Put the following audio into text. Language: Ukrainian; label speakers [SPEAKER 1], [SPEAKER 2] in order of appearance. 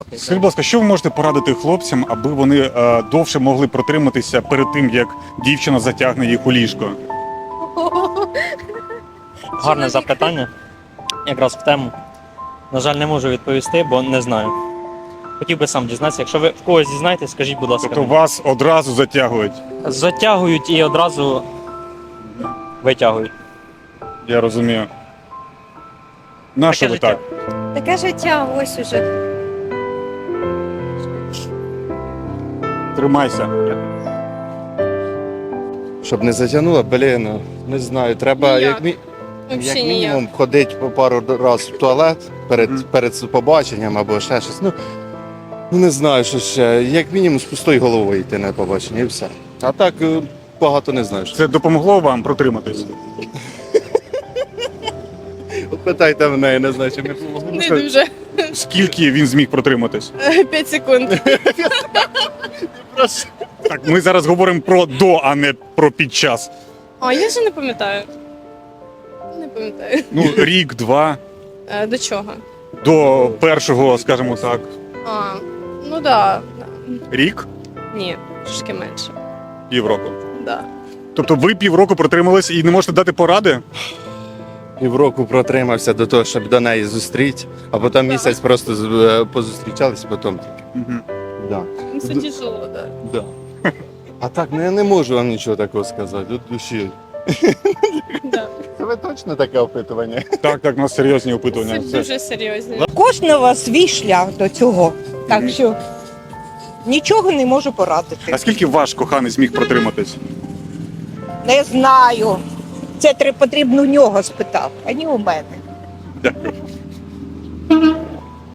[SPEAKER 1] Скажіть, будь ласка, що ви можете порадити хлопцям, аби вони довше могли протриматися перед тим, як дівчина затягне їх у ліжко?
[SPEAKER 2] Гарне запитання. Якраз в тему. На жаль, не можу відповісти, бо не знаю. Хотів би сам дізнатися. Якщо ви в когось дізнаєтесь, скажіть, будь ласка.
[SPEAKER 1] Тобто вас одразу затягують?
[SPEAKER 2] Затягують і одразу витягують.
[SPEAKER 1] Я розумію. На що
[SPEAKER 2] Таке
[SPEAKER 1] ви
[SPEAKER 2] життя.
[SPEAKER 1] так?
[SPEAKER 3] Таке життя, ось уже.
[SPEAKER 1] Тримайся.
[SPEAKER 4] Щоб не затягнуло, не знаю. Треба як
[SPEAKER 3] Взагалі
[SPEAKER 4] мінімум ходити по пару разів в туалет перед побаченням або ще щось. Ну не знаю, що ще. Як мінімум з пустою головою йти на побачення і все. А так багато не знаю.
[SPEAKER 1] Це допомогло вам протриматись?
[SPEAKER 4] От питайте мене, я не знаю, чи не допомогло.
[SPEAKER 5] Не дуже.
[SPEAKER 1] Скільки він зміг протриматись?
[SPEAKER 5] 5 секунд.
[SPEAKER 1] Так, ми зараз говоримо про до, а не про під час.
[SPEAKER 5] А я вже не пам'ятаю. Не пам'ятаю.
[SPEAKER 1] Ну, рік, два,
[SPEAKER 5] До чого?
[SPEAKER 1] до першого, скажімо так,
[SPEAKER 5] А, ну да.
[SPEAKER 1] рік,
[SPEAKER 5] Ні, трошки менше.
[SPEAKER 1] півроку.
[SPEAKER 5] Да.
[SPEAKER 1] Тобто ви півроку протримались і не можете дати поради?
[SPEAKER 4] Півроку протримався до того, щоб до неї зустріти, а потім місяць просто позустрічались, потім тільки.
[SPEAKER 1] Угу.
[SPEAKER 4] Да.
[SPEAKER 5] Ну, це тяжело, да.
[SPEAKER 4] Да. А так, ну я не можу вам нічого такого сказати, від душі.
[SPEAKER 5] Да.
[SPEAKER 4] Це ви точно таке опитування?
[SPEAKER 1] Так, у нас серйозні опитування.
[SPEAKER 5] Це дуже серйозно.
[SPEAKER 6] Кожного свій шлях до цього. Так що нічого не можу порадити.
[SPEAKER 1] А скільки ваш коханий зміг протриматись?
[SPEAKER 6] Не знаю. Це потрібно у нього спитати, а не у мене.
[SPEAKER 1] Дякую.